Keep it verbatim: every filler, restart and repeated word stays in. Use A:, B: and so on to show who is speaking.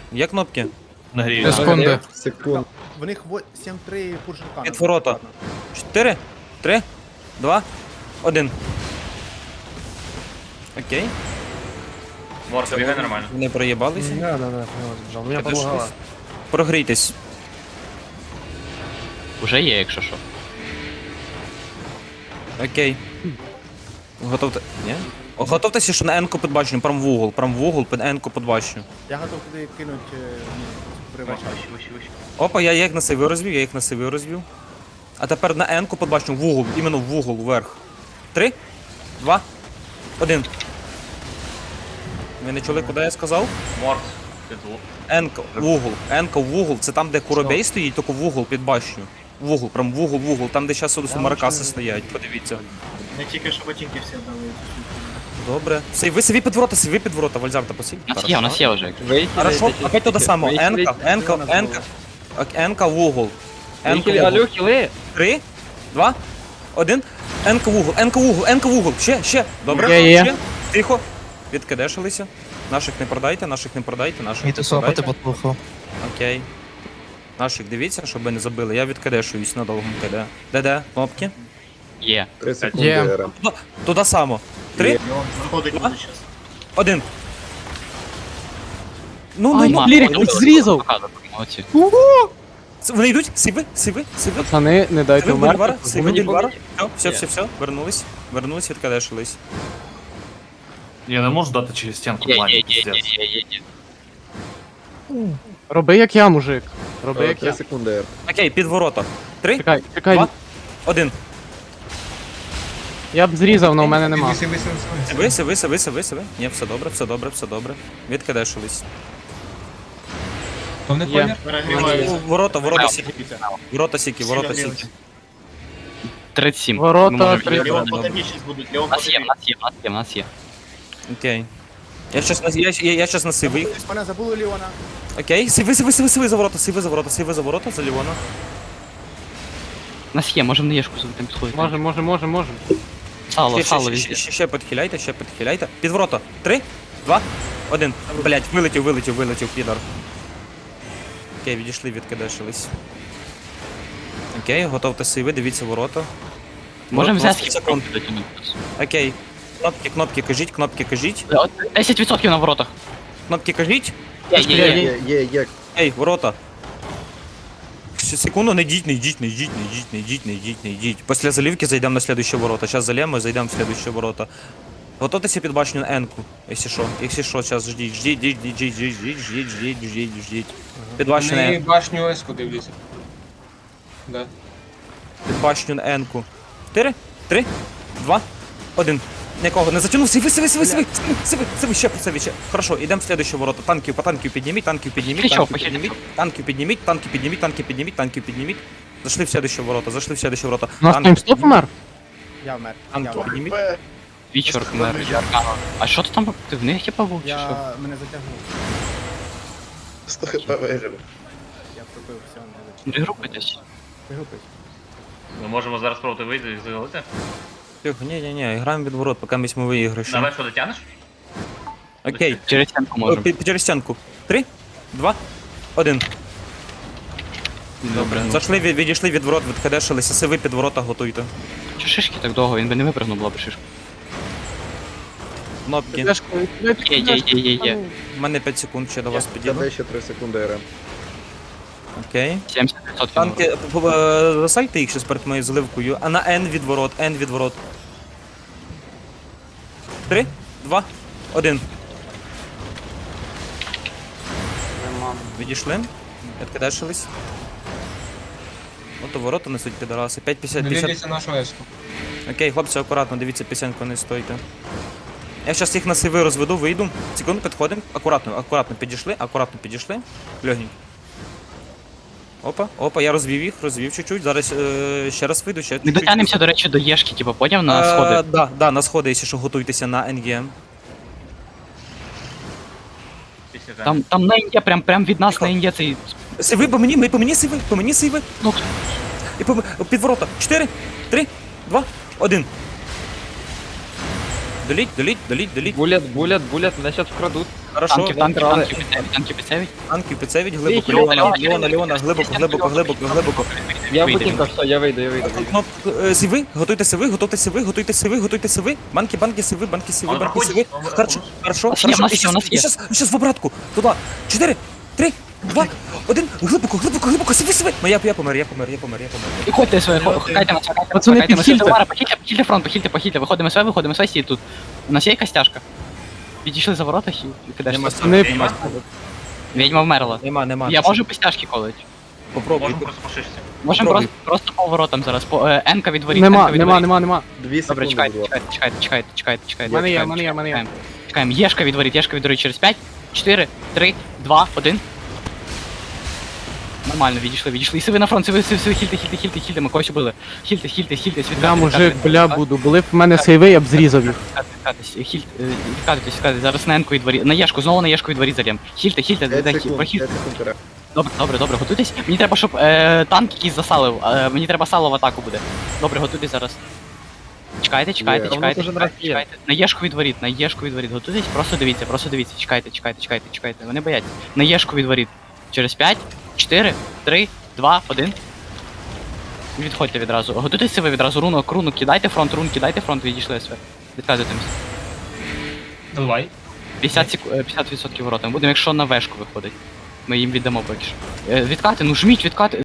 A: Є кнопки?
B: Нагрію.
C: Секунди.
D: Секунд.
E: В них сім три пуршинка.
A: Під ворота. Чотири, три, два, один. Окей.
B: Ворка, бігай нормально.
A: Вони проїбалися.
C: Да, да, да, я сбежал. Меня
A: Підійшлись.
C: подлагало.
A: Прогрійтесь.
F: Уже є, якщо що.
A: Окей. Готовте. Ні? О, Готовтеся, що на N-ку під башню, прям в угол, прям в угол під N-ку під башню.
E: Я готов туди кинуть привача.
B: Вище, вище, вище.
A: Опа, я їх на сиви розвів, я їх на сиви розвів. А тепер на N-ку під башню, в угол, іменно в угол, вверх. Три, два, один. Ви не чули, куди я сказав?
B: Морс. Під лу-
A: N-ка в угол, N-ка в угол, це там, де Куробей стоїть, тільки в угол під башню. В угол, прям в угол, в угол, там, де зараз у Маракаси стоять, подивіться.
G: Не тільки що ботинки всі дали.
A: Добре. Сей, ви сиві під ворота, сиві під ворота, Вальзарта посів.
F: У нас є, у нас є вже.
A: Хорошо, опять то самое. Энка, Энка, Энка. Энка в угол. Энка в угол.
C: хіли.
A: Три, два, один. Енка в угол, Енка в угол, Енка в угол. Ще, ще. Добре.
C: Є, є.
A: Ще. Тихо. Відкидешилися. Наших не продайте, наших не продайте, наших не
H: Міти сопати
A: продайте.
H: потуху.
A: Окей. Наших дивіться, щоб ви не забили. Я відкидешуюсь на довгому КД. Де-де? Кнопки?
F: Є.
D: Три секунди
C: Є.
D: РМ.
A: Туди, туди само. Три,
G: І он заходить буде зараз.
A: один. Ну, ну,
F: Ай,
A: ну.
F: ма,
C: Лірик,
F: ну,
C: зрізав.
F: показуй, молодці.
A: Вони йдуть? Сиви, сиви, сиви.
C: Пацани, не дайте
A: Сиви Бульвара,
C: вмерти.
A: сиви Бульвара. Все, все, все, все. Вернулись. Вернулись, відкадешились.
B: Я не можу дати через стінку
F: Є, є,
B: плані,
F: є, є,
B: пиздец.
F: є, є, є.
C: Роби як я, мужик. Роби як
D: Три
C: я.
D: секунди Р.
A: Окей, під ворота. Три,
C: Чекай, чекай.
A: два, один.
C: Я б зрізав, але у мене нема.
A: Сиви, сиви, сиви, сиви, сиви. Ні, все добре, все добре, все добре. Відкадешились.
C: Є.
G: Перегріваються.
A: Ворота, ворота
F: Ау.
A: сіки. Ворота сіки, ворота сіки.
F: тридцять сім.
C: Ворота,
F: Ми можемо
C: тридцять.
F: відіграти.
G: Леон потомі щось будуть, Леон
F: У нас є, у
G: потомі.
F: нас є, у нас є, у нас є.
A: Окей. Я щас на я, я, я щас на сиви. їх.
E: Мене забули Ліона.
A: Окей, сиви, сиви, сиви, сиви за ворота, сиви за ворота, сиви за ворота, за Ліона.
F: У нас є, можемо на єшку там підходити.
C: Може, може, може, може.
F: Сало,
A: Ще,
F: сало
A: ще,
F: везде.
A: ще, ще, ще підхиляйте, ще підхиляйте. Під ворота. Три, два, один. Блять, вилетів, вилетів, вилетів, підар. Окей, відійшли, відкидешились. Окей, готовте сиви, дивіться ворота.
F: Можемо взяти
A: двадцять
F: секунд.
A: секунд. Окей. Кнопки, кнопки кажіть, кнопки кажіть.
F: десять відсотків на воротах.
A: Кнопки кажіть.
F: Є, є, є.
D: Є, є, є.
A: Ей, ворота. Ще секунду, не йдіть, не йдіть, не йдіть, не йдіть, не йдіть, не йдіть, не йдіть. Після заливки зайдемо на слідуючі ворота. Зараз залємо і зайдемо в слідуючі ворота. Готуйтеся під башню на Енку, якщо що. Якщо що, зараз ждіть, ждіть, ждіть, ждіть, ждіть, ждіть, ждіть, ждіть, ждіть, ждіть. Під башню на Енку.
I: башню Еску дивлюся. Да.
A: Під башню на Енку. Чотири, три, два, один. Нікого не затягнув. Сиви, сиви, сиви, сиви, сиви, сиви, сиви, ще, сиви, ще. Хорошо, йдемо в слідуючі ворота. Танків, по танків підніміть, танків підніміть,
F: Плечо,
A: танків
F: плечо,
A: підніміть,
F: плечо.
A: танків підніміть, танків підніміть, танків підніміть, танків підніміть. Зайшли в слідуючі ворота, зайшли в слідуючі ворота.
C: У нас
A: Танки
C: таймстоп умер?
E: Я вмер. Я
A: Танки
E: вмер.
A: підніміть.
F: Вічор, мер, Аркано. А що ти там? Ти в них типа був чи що?
E: Я мене затягнув.
D: сто хп вижив.
E: Я пробив, все, не
F: Ви групитесь?
E: вигупить.
B: Ми можемо зараз спробувати вийти і загалити.
A: Тихо, ні, ні, ні, граємо від ворот, поки ми виіграємо.
B: Давай, що дотягнеш?
A: Окей,
F: Через стінку можемо.
A: Пі- через стінку. Три, два, один.
F: Добре.
A: Зайшли, від- відійшли від ворот, відкадешилися, сиви під ворота готуйте.
F: Чи шишки так довго? Він би не випрыгнув, була б шишка.
A: Кнопки.
F: Є, є, є, є, є.
A: У мене п'ять секунд ще до вас підійду.
D: Тебе ще три секунди РМ.
A: Окей.
F: сімдесят відсотків.
A: Танки, п- п- е, засальте їх ще перед моєю заливкою, а на N від ворот, N від ворот. Три, два, один. Відійшли. Відкидешились. Ото ворота несуть підараси. п'ять п'ятдесят
I: Не
A: п'ятдесят.
I: дивіться нашу Еску.
A: Окей, хлопці, акуратно, дивіться, пісеньку не стойте. Я зараз їх на сиви розведу, вийду. Секунду, підходимо. Акуратно, акуратно підійшли, акуратно підійшли. Легенько. Опа, опа, я розвів їх, розвів чуть-чуть. Зараз е, ще раз вийду, ще
F: Ми
A: чуть-чуть.
F: дотягнемося, до речі, до Єшки, типу, поняв, на
A: Е,
F: сходи.
A: Да, да, на сходи, якщо що, готуйтеся на ен ге ем.
B: Після там.
F: Там, там на Ін'є, прям, прям від нас на Ін'є цей...
A: Сиви по мені, ми по мені сиви, по мені сиви.
F: Ну,
A: І по під ворота. Чотири, три, два, один. Доліть, доліть, доліть, доліть.
H: Булят, булят, булят, мене зараз вкрадуть.
A: Хорошо,
F: Танків, танків, танків, підсевіть, танків, підсевіть.
A: танків підсевіть, глибоко,
F: Леона,
A: Леона,
F: Леона,
A: Леона, Леона, глибоко, глибоко, глибоко, глибоко.
F: Я в будинках,
I: я вийду, я вийду.
A: Кнопку, е, сиви, готуйте сиви, готуйте сиви, готуйте сиви, готуйте сиви. Банки, банки, сиви, банки, сиви,
B: Он
A: банки,
B: проходит,
A: сиви.
B: он-
A: Хорошо,
B: он-
A: хорошо,
F: У нас є, у
A: хорошо.
F: нас
A: І
F: є, у нас
A: щас,
F: є.
A: і щас, і щас в обратку. Туди. Чотири, три, два, один. Глибоко, глибоко, глибоко, сиви, сиви. Ну я, я помер, я помер, я помер, я помер.
F: Виходьте своє, хайте на себе,
C: Пацани,
F: хайте на
C: підхильте.
F: себе. Похильте, похильте фронт, похильте, похильте. Виходимо своє, виходимо своє, сі тут. У нас є якась тяжка? Відійшли за ворота, хі, кидаєш.
A: Нема
C: Пацани,
A: сили, нема сили.
F: Відьма вмерла.
A: Нема, нема.
F: Я можу по стяжки колить.
A: Попробуй.
B: Можемо просто по шишці.
F: Можемо
A: Попробуй.
F: просто, просто по воротам зараз. По, е, Енка відворіть,
C: Нема,
F: Енка відворіть.
C: нема, нема, нема.
D: Дві
F: Добре,
D: секунди,
F: чекайте,
D: будь ласка.
F: чекайте, чекайте, чекайте, чекайте, чекайте.
C: В мене є,
F: чекаємо,
C: в мене є, в мене є.
F: чекаємо. Чекаємо, Єшка відворіть, Єшка відворіть через п'ять, чотири, три, два, один. Нормально, відійшли, відійшли. І сиви на фронт, сиви, сиви, сиви, хільте, хільте, хільте, хільте, ми когось убили. Хільте, хільте, хільте,
C: Бля, мужик, бля, буду. Були б в мене сейви, я б зрізав їх.
F: Відкатуйтесь, хільте, відкатуйтесь, відкатуйтесь. Зараз на Енку відворіть, на Єшку, знову на Єшку відворіть залєм. Хільте, хільте,
D: п'ять
F: дайте,
D: секунд,
F: прохід.
D: п'ять секунд РМ.
F: Добре, добре, добре, готуйтесь. Мені треба, щоб е, танк якийсь засалив. Е, мені треба сало в атаку буде. Добре, готуйтесь зараз. Чекайте, чекайте,
D: Є.
F: чекайте,
I: Воно
F: чекайте,
I: дуже
F: чекайте. На Єшку відворіть, на Єшку відворіть. Готуйтесь, просто дивіться, просто дивіться. Чекайте, чекайте, чекайте, чекайте. Вони бояться. На Єшку відворіть. Через п'ять, чотири, три, два, один. Відходьте відразу. Готуйтеся ви відразу руну, руну, кидайте фронт, рун, кидайте фронт, відійшли все. Відказуйтесь.
B: Давай.
F: п'ятдесят секу- е, п'ятдесят відсотків воротами. Будемо, якщо на вешку виходить. Ми їм віддамо поки що. Е, Відкати, ну жміть, відкати.